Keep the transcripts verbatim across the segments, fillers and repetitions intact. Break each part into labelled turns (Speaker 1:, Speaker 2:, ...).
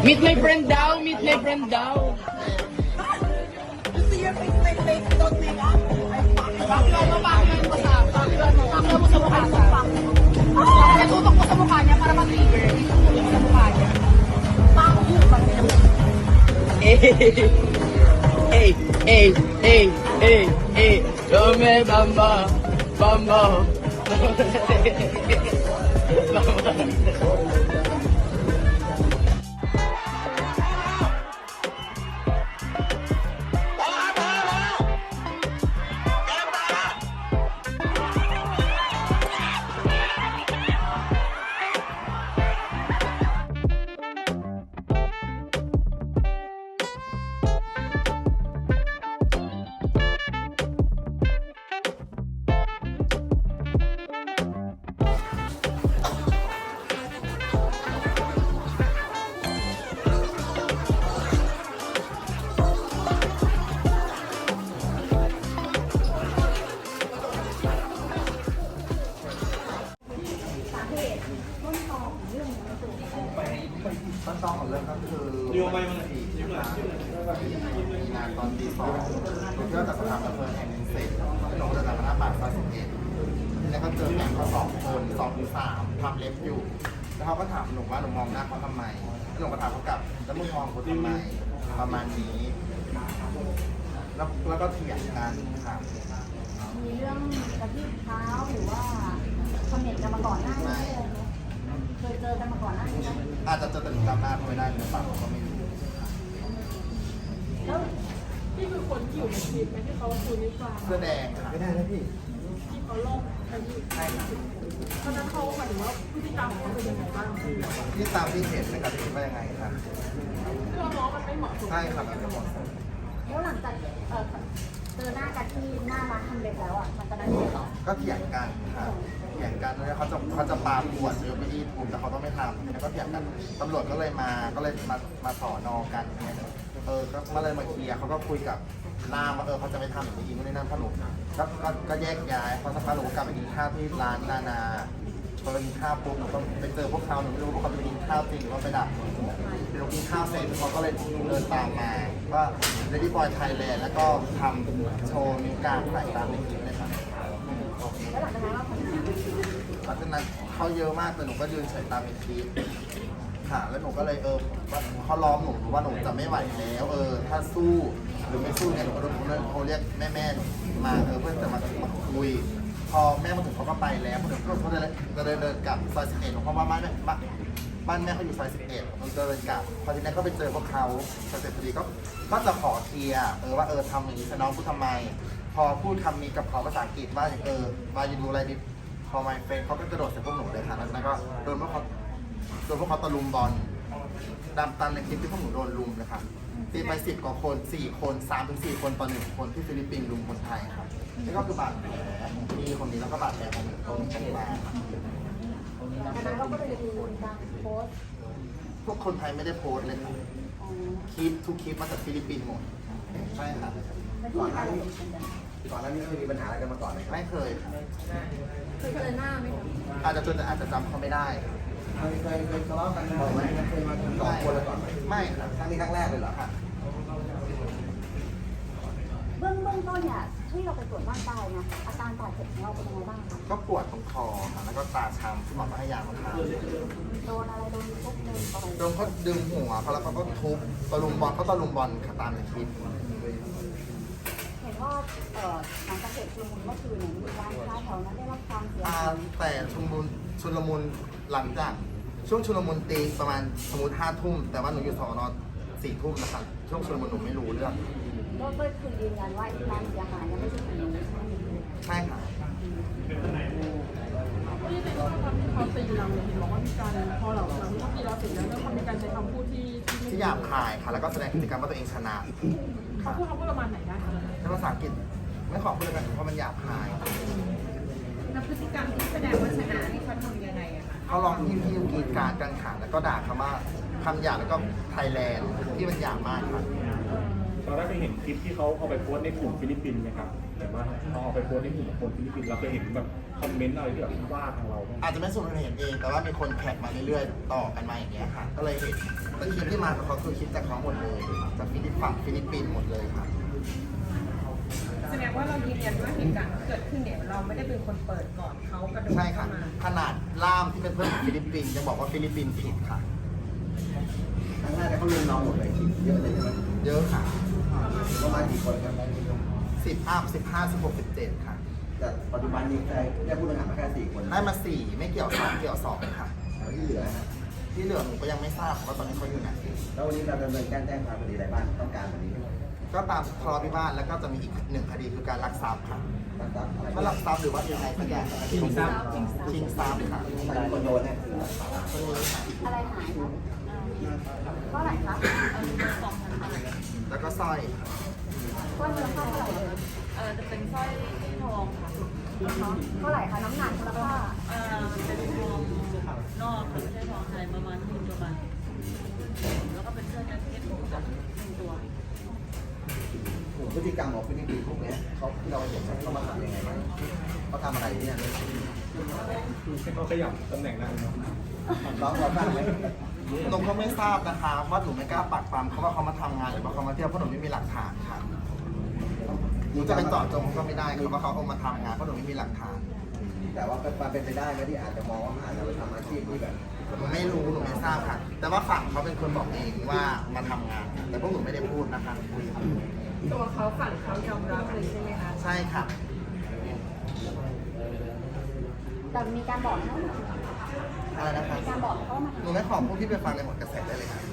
Speaker 1: Meet my friend daw, meet my friend daw.
Speaker 2: Gusto niya face my face, don't make up. Paklan mo, paklan mo sa, paklan mo, paklan mo sa mukha sa. Natutok mo sa mukha niya para mag-trigger. Itutok mo sa mukha niya. Paklan mo.
Speaker 1: Hey, hey, hey, hey, hey, hey. Come bamba, bamba.
Speaker 3: ต้นตอของเรื่องก็คือวันที่สี่งานตอนตีสองหนูเที่ยวจากสถานบันเทิงแห่งหนึ่งเสร็จหนูเดินจากพระบาทซอยสิบเอ็ดแล้วก็เจอแก๊งเขาสองคนสองหรือสามทำเล็บอยู่แล้วเขาก็ถามหนูว่าหนูมองหน้าเขาทำไมหนูก็ถามเขากลับแล้วมึงมองกูทำไมประมาณนี้แล้วแล้วก็เถียงกันค่ะ
Speaker 4: มีเรื่องกระทืบเท้าหรือว่าคอมเมนต์กันมาก่อนหน้านี้เคยเจอกันมาก่อนหน้านี้ไหม
Speaker 3: อาจจะเจอแต่หนูจำหน้าเขาไม่ได้หรือเปล่าก็ไม่รู้
Speaker 4: แล้ว
Speaker 5: นี่คือคนที่อยู่ในคลิปไหมที่เขาคุยนิฟัง
Speaker 3: เสื้อแดงค่ะไม่ได้นะพี่
Speaker 5: ที่เขาลงอายุ
Speaker 3: ใช่ค่ะ
Speaker 5: เพราะนั้นเขาหมายถึงว่าพฤติกรรมของเขาเป็นยังไงบ้างคือ
Speaker 3: ที่ตามที่เห็นนะครับคิดว่ายังไงครับ
Speaker 5: เราน้องมันไม่เหมาะสม
Speaker 3: ใช่ครับมันไม่เหมาะสม
Speaker 4: แล้วหลังจากเออเจอหน้ากันที่หน้าร้านทำเล็บแล้วอ่ะมันจะได้ยังไงต่อ
Speaker 3: ก็เถียงกันครับเถียงกันแล้วเขาจะเขาจะปาขวดหรือไปที่ถูกแต่เขาต้องไม่ทำแล้วก็เถียงกันตำรวจก็เลยมาก็เลยมามาสอนอกันเนี่ยเออก็มาเลยมาเคลียร์เขาก็คุยกับนามว่าเออเขาจะไม่ทำอย่างนี้ไม่ได้นั่นพ่อหนุ่มก็ก็ก็แยกย้ายเพราะสักพักหนูก็กลับไปกินข้าวที่ร้านนานาพอไปกินข้าวปุ๊บหนูก็ไปเจอพวกเขาหนูไม่รู้ว่าเขาไปกินข้าวจริงหรือว่าไปดักหนูเดี๋ยวกินข้าวเสร็จเขาก็เลยเดินตามมาว่าเลดี้บอยไทยแลนด์แล้วก็ทำโชว์นิ้วกลางใส่ตามในคลิปเลยครับ
Speaker 4: แล้วหลังจากนั้นเราทำยังไง
Speaker 3: หลังจากนั้นเขาเยอะมากแต่หนูก็ยืนเฉยตามในคลิปค่ะแล้วหนูก็เลยเออเขาล้อมหนูว่าหนูจะไม่ไหวแล้วเออถ้าสู้หรือไม่สู้เนี่ยหนูก็โดนโทรเรียกแม่แม่มาเออเพื่อจะมามาคุยพอแม่มาถึงเขาก็ไปแล้วพอถึงเขาเดินเดินเดินกลับซอยสิบเอ็ดเพราะว่าบ้านแม่บ้านแม่เขาอยู่ซอยสิบเอ็ดมันเดินกลับพอทีนี้ก็ไปเจอพวกเขาเสร็จพอดีก็ก็จะขอเคลียร์เออว่าเออทำอย่างนี้น้องพูดทำไม พอพูดคำนี้กับเขาภาษาอังกฤษว่าเออมาอยู่ดูอะไรดิพอมาเฟนเขาก็กระโดดใส่พวกหนูเลยค่ะแล้วนั้นก็โดนพวกเขาโดนพวกเขาตะลุมบอลดำตันในคลิปที่พวกหนูโดนลุมเลยค่ะตีไปสิบกว่าคนสี่คนสามถึงสี่คนต่อหนึ่งคนที่ฟิลิปปินส์ลุมคนไทยครับนี่ก็คือบาดแผลของพี่คนนี้แล้วก็บาดแผลของหนูตรงตรงมา
Speaker 4: หลังจากนั้นเราก็เลยดูการโพสต์
Speaker 3: พวกคนไทยไม่ได้โพสต์เลยค่ะ
Speaker 4: ของ
Speaker 3: คลิปทุกคลิปมาจากฟิลิปปินส์หมดใช่ค่ะ
Speaker 4: เป็นที่อะไรเป็นกัน
Speaker 6: ก่อนหน้านี้เคยมีปัญหาอะไรกันมาก่อนไหมครับ
Speaker 3: ไม่เคยค่ะ
Speaker 4: เคยเจอหน้าไหมคะ
Speaker 3: อาจจะจนอาจจะจำเขาไม่ได้
Speaker 6: เคยเคยเคยทะเลาะกันบ่อยไหมเคยมากันสองคนแล้วก่อนไหม
Speaker 3: ไม่ครับ
Speaker 6: ครั้งนี้ครั้งแรกเลยเหรอ
Speaker 3: ค่ะ
Speaker 4: เบื้องเบื้องต้นเนี่ยที่เราไปตรวจร่างกายเนี่ยอาการบาดเจ็บของเราเป็นยังไงบ้างคะ
Speaker 3: ก็ปวดตรงคอค่ะแล้วก็ตาช้ำที่หมอก็ให้ยามาทาน
Speaker 4: โดนอะไรโดนทุบโดนต่อย
Speaker 3: โดนเขาดึงหัวเขาแล้วเขาก็ทุบตะลุมบอลเขาตะลุมบอลค่ะตามในคลิป
Speaker 4: เห็นว่าเอ่อหลังจากเหตุชุลมุนเมื่อคืนเนี่ยมีร้านค้าแถวนั้นได้รับความเสีย
Speaker 3: อ่า
Speaker 4: หาย
Speaker 3: แต่ชุลมุนชุลมุนหลังจากช่วงชุลมุนตีประมาณสมมติห้าทุ่มแต่ว่าหนูอยู่สอนอสี่ทุ่มนะคะช่วงชุลมุนหนูไม่รู้เรื่อง
Speaker 4: ก็ก็คือยืนยันว่าที่ร้านเสียหายเนี่ยไม่ใช่ของหนูใช่ไหม
Speaker 3: ใช่ค่ะ
Speaker 5: ที่ในข้อความที่เขาตีเราเนี่ยเห็นบอกว่ามีการพอเราหลังที่เขาตีเราเสร็จแล้วก็มีการใช้คำพูดที่ที่
Speaker 3: ที่หยาบคายค่ะแล้วก็แสดงพฤติกรรมว่าตัวเองชนะ
Speaker 5: เขาพูดเขาพูดประมาณไหนได้คะ
Speaker 3: ในภาษาอังกฤษไม่ขอพูดเลยกันเพราะมันหยาบคาย
Speaker 5: แล้วพฤติกรรมที่แสดงว่าชนะนี่เขาทำยังไงอะคะ
Speaker 3: เขาลองที่ที่กรีดกรารกันค่ะแล้วก็ด่าคำว่าคำหยาบแล้วก็ไทยแลนด์ที่มันหยาบมากค่ะ
Speaker 7: เราได้เคยเห็นคลิปที่เขาเอาไปโพสต์ในกลุ่มฟิลิปปินส์ไหมครับเห็นว่าเขาเอาไปโพสต์ในกลุ่มของคนฟิลิปปินส์เราเคยเห็นแบบคอมเมนต์อะไรที่แบบว่าทางเราบ้างไหม
Speaker 3: อาจจะไม่สุดเห็นเองแต่ว่ามีคนแคปมาเรื่อยๆต่อกันมาอย่างเงี้ยค่ะ ก็เลยเห็นแต่แต่คลิปที่มากับเขาคือคลิปจากเขาหมดเลยจากฟิลิปฝั่งฟิลิปปินส์หมดเลยครับ
Speaker 5: แสดงว่าเรายืนยันว่าเหตุการณ์ที่เกิดขึ้นเนี่ยเราไม่ได้เป็นคนเปิดก่อนเขากระโดด
Speaker 3: ใช่ค่ะ
Speaker 5: เข้ามา
Speaker 3: ขนาดล่ามที่เป็นเพื่อนของฟิลิปปินส์ยังบอกว่าฟิลิปปินส์ผิดค่ะ
Speaker 6: ครั้งแรกเนี่ยเขาลุมเราหมดเลยเยอะเลยใช่ไหม
Speaker 3: เยอะค่ะ
Speaker 6: ประมาณกี่คนครับ
Speaker 3: สิบอัพสิบห้าสิบหกสิบเจ็ดค่ะ
Speaker 6: แต่ปัจจุบันนี้ได้ได้ผู้ต้องหามาแค่สี่คน
Speaker 3: ได้มาสี่ไม่เกี่ยวสามเกี่ยวสองค่ะ
Speaker 6: แล้วที่เหลือนะ
Speaker 3: ที่เหลือหนูก็ยังไม่ทราบว่าตอนนี้เขาอยู่ไหน
Speaker 6: แล้ววันนี้เราดำเนินการแจ้งความคดีอะไรบ้างต้องการวันนี้
Speaker 3: ก็ตามทะเลาะวิวาทแล้วก็จะมีอีกหนึ่งคดีคือการลักทรัพย์ค่ะ
Speaker 6: ตั้งแต่อะไร
Speaker 3: ถ้าลักทรัพย์หรือว่ายังไงสักอย่างชิงทรัพย์ชิงทรัพย์ค่ะ
Speaker 6: ใครเป็นคนโดนเนี่ย
Speaker 4: อะไรหายคะเพราะอะไรคะ
Speaker 3: แล้วก็สร้อย
Speaker 4: ก้อนเนื้อผ้าเท่าไหร่เอ่ย
Speaker 5: เออจะเป็นสร้อยทองค่ะ
Speaker 4: เท่าไหร่คะน้ำหนักมูลค่า
Speaker 5: เออเป็นทองนอกค่ะไม่ใช่ทองไทยประมาณหนึ่งประมาณแล้วก็เป็นเสื้อแจ็คเก็ตของหนึ่งตัว
Speaker 6: กลุ่มพฤติกรรมของฟิลิปปินส์พวกเนี้ยเขาที่เราเห็นเขามาทำยังไงบ้างเขาทำอะไรเนี่ย
Speaker 7: ให้เขาขยับตำแหน่งได้เนาะ
Speaker 6: น้องเราทราบไหม
Speaker 3: หนูก็ไม่ทราบนะคะว่าหนูไม่กล้าปักปามเขาว่าเขามาทำงานหรือว่าเขามาเที่ยวเพราะหนูไม่มีหลักฐานค่ะหนูจะไปเจาะจงก็ไม่ได้คือว่าเขาเอามาทำงานเพราะหนูไม่มีหลักฐาน
Speaker 6: แต่ว่าเป็นความเป็นไปได้ไหมที่อาจจะมองว่าอาจจะไปทำอาชีพที่แบบ
Speaker 3: หนูไม่รู้หนูไม่ทราบค่ะ แต่ว่าฝั่งเขาเป็นคนบอกเองว่ามาทำงาน แต่พวกหนูไม่ได้พูดนะคะ
Speaker 5: ตัวเขาฝั่งเขายอมรับเลยใช่ไหมคะ
Speaker 3: ใช่ค่ะ
Speaker 4: แต่มีการบอกนะ
Speaker 3: อะไรนะคะ
Speaker 4: มีการบอกเขามา
Speaker 3: หนูไม่ขอพูดที่ไปฟังในหมดกระแสได้เลยค่ะ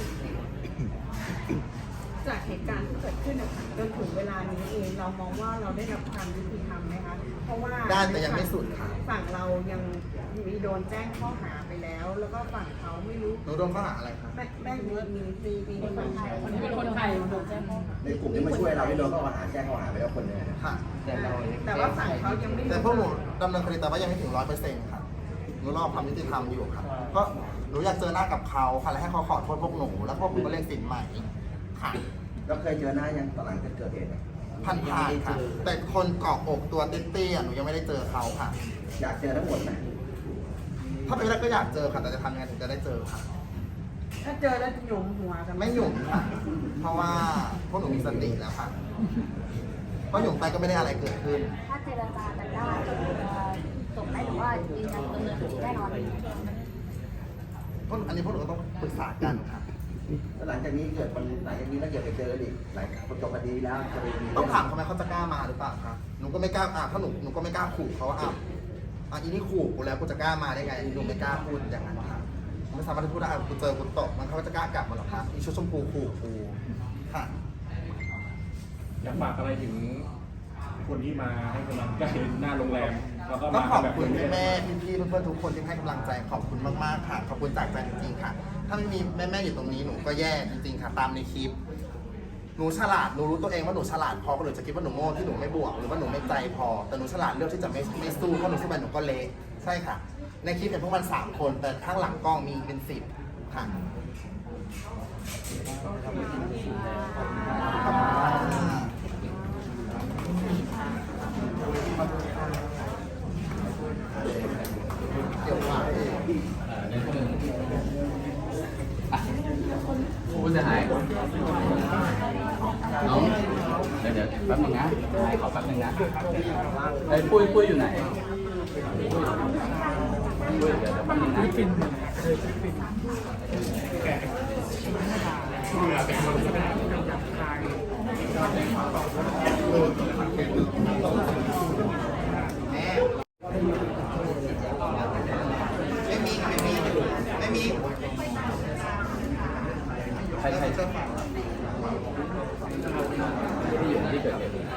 Speaker 5: จากเหตุการณ์ที่เกิดขึ้นนะคะจนถึงเวลานี้เองเรามองว่าเราได้รับความยุติธรรมไหมคะเพราะว่า
Speaker 3: ได้แต่ยังไม่สุดค่ะ
Speaker 5: ฝั่งเรายังมีโดนแจ้งข้อหาไปแล้ว แล้วก็ฝั่งเขาไม่รู้
Speaker 3: หนูโดนข้อหาอะไรคะ
Speaker 5: แม่แม่มีมีมีมีคนไทยคนที่เป็นคนไทยโดนแจ้งข้อหา
Speaker 6: ในกลุ่มที่มาช่วยเราที่โดนข้อหาแจ้งข้อหาไปแล้วคนหนึงนะ
Speaker 3: ค่ะ
Speaker 5: แต่ว่าฝั่งเขายังไม่
Speaker 3: แต่พวกหนูดำเนินคดีแต่ว่ายังไม่ถึงร้อยเปอร์เซ็นต์ค่ะ หนูรอความยุติธรรมอยู่ค่ะเพราะหนูอยากเจอหน้ากับเขาค่ะ และให้เขาขอโทษพวกหนู แล้วพวกหนูก็เรียกสินใหม่ค่ะ
Speaker 6: แล้วเคยเจอหน้ายังตอนหลังจากเกิดเหตุเนี่ย
Speaker 3: พันผ่านค่ะ แต่คนเกาะอกตัวเตี้ยๆหนูยังไม่ได้เจอเขาค่ะ
Speaker 6: อยากเจอทั้งหมดไหม
Speaker 3: ถ้าเป็นไปได้ก็อยากเจอค่ะ แต่จะทำยังไงถึงจะได้เจอค่ะ
Speaker 5: ถ้าเจอแล้วจะหยุมหัวกัน
Speaker 3: ไม่หยุ่มค่ะ เพราะว่าพวกหนูมีสติแล้วค่ะ เพราะหยุ่มไปก็ไม่ได้อะไรเกิดขึ้น
Speaker 4: ถ้าเจรจากันได้จะจบได้หรือว่ายืนยันดำเนินคดีแน่นอน
Speaker 3: พวกอันนี้พวกหนูก็ต้องปรึกษากันค่ะ
Speaker 6: แล้วหลังจากนี้เกิดมันหลังจากนี้ถ้าเกิดไปเจออีกหลังจบคดีแล้วจะไปมี
Speaker 3: ต้องถามเขาไหมเขาจะกล้ามาหรือเปล่าคะหนูก็ไม่กล้าอ่ะถ้าหนูหนูก็ไม่กล้าขู่เขาว่าอ่ะอ่ะอีนี่ขู่กูแล้วกูจะกล้ามาได้ไงหนูไม่กล้าพูดอย่างนั้นค่ะไม่สามารถที่พูดได้อ่ะกูเจอกูตกมันเขาจะกล้ากลับมาหรอคะอีชุดชมพูขู่กูค่ะ
Speaker 7: อยากฝากอะไรถึงคนที่มาให้กำลังใจหน้าโรงแรมแล้วก็
Speaker 3: ต้อ
Speaker 7: มาง
Speaker 3: ขอบ
Speaker 7: แบบ
Speaker 3: คุณ
Speaker 7: นี้
Speaker 3: แม่ๆพี่ๆเพื่อนๆทุกคนที่ให้กำลังใจขอบคุณมากๆค่ะ ขอบคุณจากใจจริงๆค่ะ ถ้าไม่มีแม่ๆอยู่ตรงนี้หนูก็แย่จริงๆค่ะ ตามในคลิป หนูฉลาดหนูรู้ตัวเองว่าหนูฉลาดพอคนอื่นจะคิดว่าหนูโง่ที่หนูไม่บวกหรือว่าหนูไม่ใจพอ แต่หนูฉลาดเลือกที่จะไม่ไม่สู้เพราะหนูสู้ไปหนูก็เละใช่ค่ะ ในคลิปเป็นพวกมันสามคน แต่ข้างหลังกล้องมีเป็นสิบค่ะขอบคุณค่ะเกี่ยวกับเอง
Speaker 1: ผู้เสียหายน้องเดี๋ยวเดี๋ยวแป๊บนึงนะขอแป๊บนึงนะไอ้ยปุ้ยปุ้ยอยู่ไหนปุ้ยเดี๋ยวเดี๋ยวแป๊บนึงนะ
Speaker 3: ไม่มีค่ะไม่มีไม่มี
Speaker 1: ใครใครที่อยู่ในที่เกิดเหตุ